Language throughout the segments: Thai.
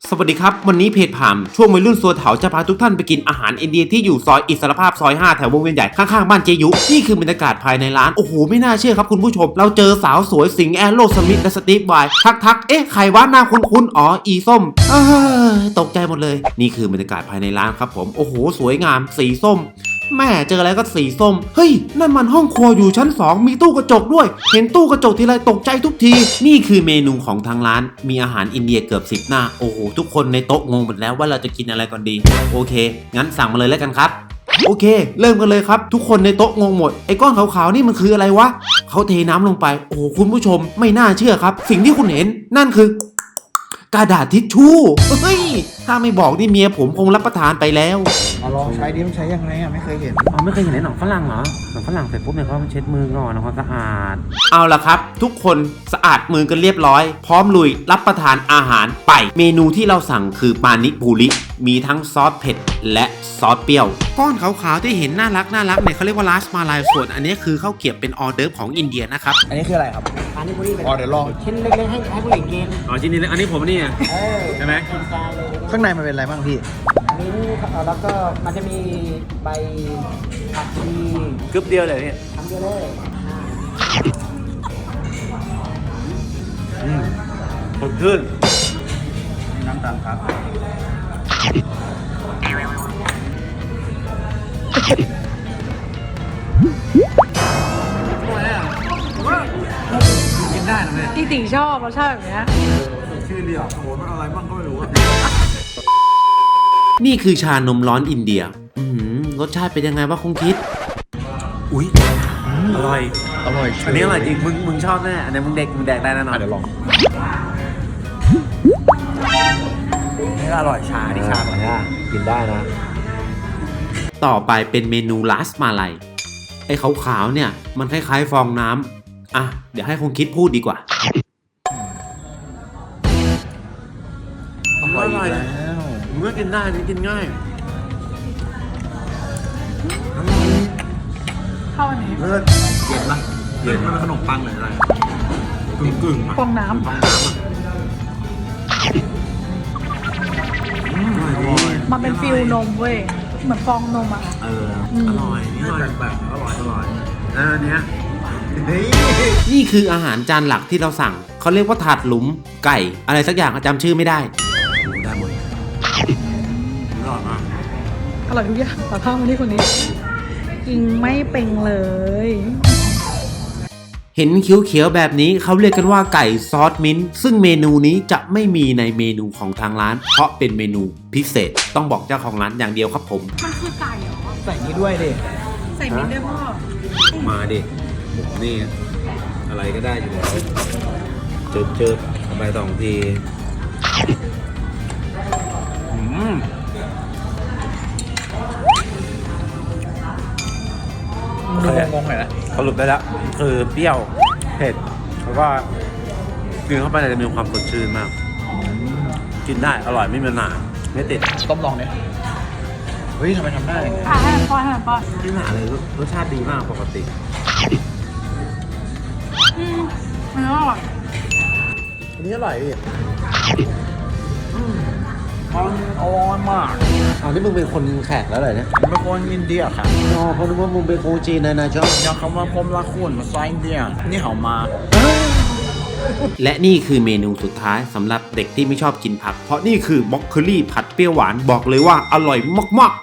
สวัสดีครับวันนี้เพจผ่ามช่วงวัยรุ่นสัวเถาจะพาทุกท่านไปกินอาหารอินเดียที่อยู่ซอยอิสรภาพซอย5แถววงเวียนใหญ่ข้างๆบ้านเจยุนี่คือบรรยากาศภายในร้านโอ้โหไม่น่าเชื่อครับคุณผู้ชมเราเจอสาวสวยสิงแอโรสมิธและสตีฟไวน์ทักเอ๊ะใครวะหน้าคุ้นอ๋ออีส้มตกใจหมดเลยนี่คือบรรยากาศภายในร้านครับผมโอ้โหสวยงามสีส้มแม่เจออะไรก็สีส้มเฮ้ยนั่นมันห้องครัวอยู่ชั้น2มีตู้กระจกด้วยเห็นตู้กระจกทีไรตกใจทุกทีนี่คือเมนูของทางร้านมีอาหารอินเดียเกือบ10หน้าโอ้โหทุกคนในโต๊ะงงหมดแล้วว่าเราจะกินอะไรก่อนดีโอเคงั้นสั่งมาเลยแล้วกันครับโอเคเริ่มกันเลยครับทุกคนในโต๊ะงงหมดไอ้ก้อนขาวๆนี่มันคืออะไรวะเขาเทน้ำลงไปโอ้โหคุณผู้ชมไม่น่าเชื่อครับสิ่งที่คุณเห็นนั่นคือกระดาษทิชชู่เฮ้ยถ้าไม่บอกนี่เมียผมคงรับประทานไปแล้วเอาลองใช้ดิมันใช้ยังไงอ่ะไม่เคยเห็นไม่เคยเห็นในหนังฝรั่งเหรอหนังฝรั่งเสร็จปุ๊บเนี่ยเขาเช็ดมือก่อนนะความสะอาดเอาละครับทุกคนสะอาดมือกันเรียบร้อยพร้อมลุยรับประทานอาหารไปเมนูที่เราสั่งคือปานิปุริมีทั้งซอสเผ็ดและซอสเปรี้ยวก้อนขาวๆที่เห็นน่ารักเนี่ยเขาเรียกว่าลาสมาลายส่วนอันนี้คือข้าวเกรี๊ยวเป็นออเดิร์ฟของอินเดียนะครับอันนี้คืออะไรครับปานิปุริเป็นเดี๋ยวลองชิ้นเล็กๆให้ผู้หญิงกินชิ้นนี้อันนี้ผมนี่ใช่ไหมข้างในมันเป็นอะไรบ้างพี่มิ้นแล้วก็มันจะมีใบผักชีกึ๊บเดียวเลยเนี่ยทำเยอะเลยสดชื่นน้ำตาลครับกินได้นะแม่จริงๆชอบรสชาติแบบนี้ชื่อเดียวโหมันอะไรบ้างก็ไม่รู้อะนี่คือชานมร้อนอินเดียรสชาติเป็นยังไงวะคงคิดอุ๊ยอร่อยอันนี้อร่อยจริงมึงชอบแน่อันนี้มึงแดกได้แน่นอนเดี๋ยวลองนี่อร่อยชาดิชากินได้นะต่อไปเป็นเมนูลาสมาลัยไอ้ขาวๆเนี่ยมันคล้ายๆฟองน้ำอ่ะเดี๋ยวให้คงคิดพูดดีกว่าอร่อยแล้วเมื่อกินได้นี่กินง่ายเข้าอันนี้เลิศเย็นปะเย็นมันเป็นขนมปังหรืออะไรกึ่งฟองน้ำมันเป็นฟิลนมเว้ยเหมือนฟองนมอ่ะอร่อยนี่อร่อยแบบอร่อยแล้วอันเนี้ยนี่คืออาหารจานหลักที่เราสั่งเขาเรียกว่าถาดหลุมไก่อะไรสักอย่างจำชื่อไม่ได้หมดอร่อยมากอร่อยทุกอย่างแต่ข้าวมาที่คนนี้กินไม่เป็นเลยเห็นเขียวๆแบบนี้เขาเรียกกันว่าไก่ซอสมิ้นท์ซึ่งเมนูนี้จะไม่มีในเมนูของทางร้านเพราะเป็นเมนูพิเศษต้องบอกเจ้าของร้านอย่างเดียวครับผมมันคือไก่เหรอใส่นี้ด้วยดิใส่มิ้นท์ด้วยพ่อมาดิผมนี่อะไรก็ได้อยู่แล้วเจอไป2 ทีงงๆหน่อยนะสรุปได้แล้วคือเปรี้ยวเผ็ดแล้วก็กินเข้าไปจะมีความสดชื่นมากกินได้อร่อยไม่มีปัญหาไม่ติดต้มลองเนี่ยเฮ้ยทำไมทำได้ให้มันป้อนไม่หนาเลยรสชาติดีมากปกติมันอร่อยอันนี้อร่อยดิมันอร่อยมากนี่มึงเป็นคนแขกแล้วเหรอเนี่ยผมเป็นคนอินเดียครับเขาคิดว่ามึงเป็นคนจีนนะจ๊ะอยากคำว่าผมรักคุณมาซอยอินเดียนี่เขามาและนี่คือเมนูสุดท้ายสำหรับเด็กที่ไม่ชอบกินผักเพราะนี่คือบล็อกโคลี่ผัดเปรี้ยวหวานบอกเลยว่าอร่อยมาก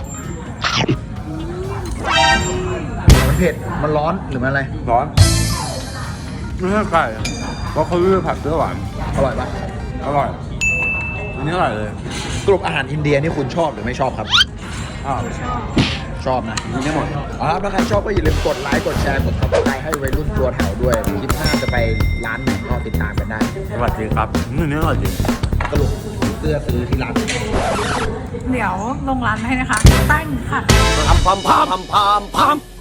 มันเผ็ดมันร้อนหรือมันอะไรร้อนไม่ใช่ไก่บล็อกโคลี่ผัดเปรี้ยวหวานอร่อยปะอร่อยอันนี้อร่อยเลยสรุปอาหารอินเดียนี่คุณชอบหรือไม่ชอบครับชอบนะกินได้หมดครับถ้าใครชอบก็อย่าลืมกดไลค์กดแชร์กด Subscribe ให้วัยรุ่นตัวแถวด้วยคลิปหน้าจะไปร้านไหนก็ติดตามกันได้สวัสดีครับนี่อร่อยจริงสรุปเสื้อซื้อที่ร้านเดี๋ยวลงร้านให้นะคะตั้งค่ะพาม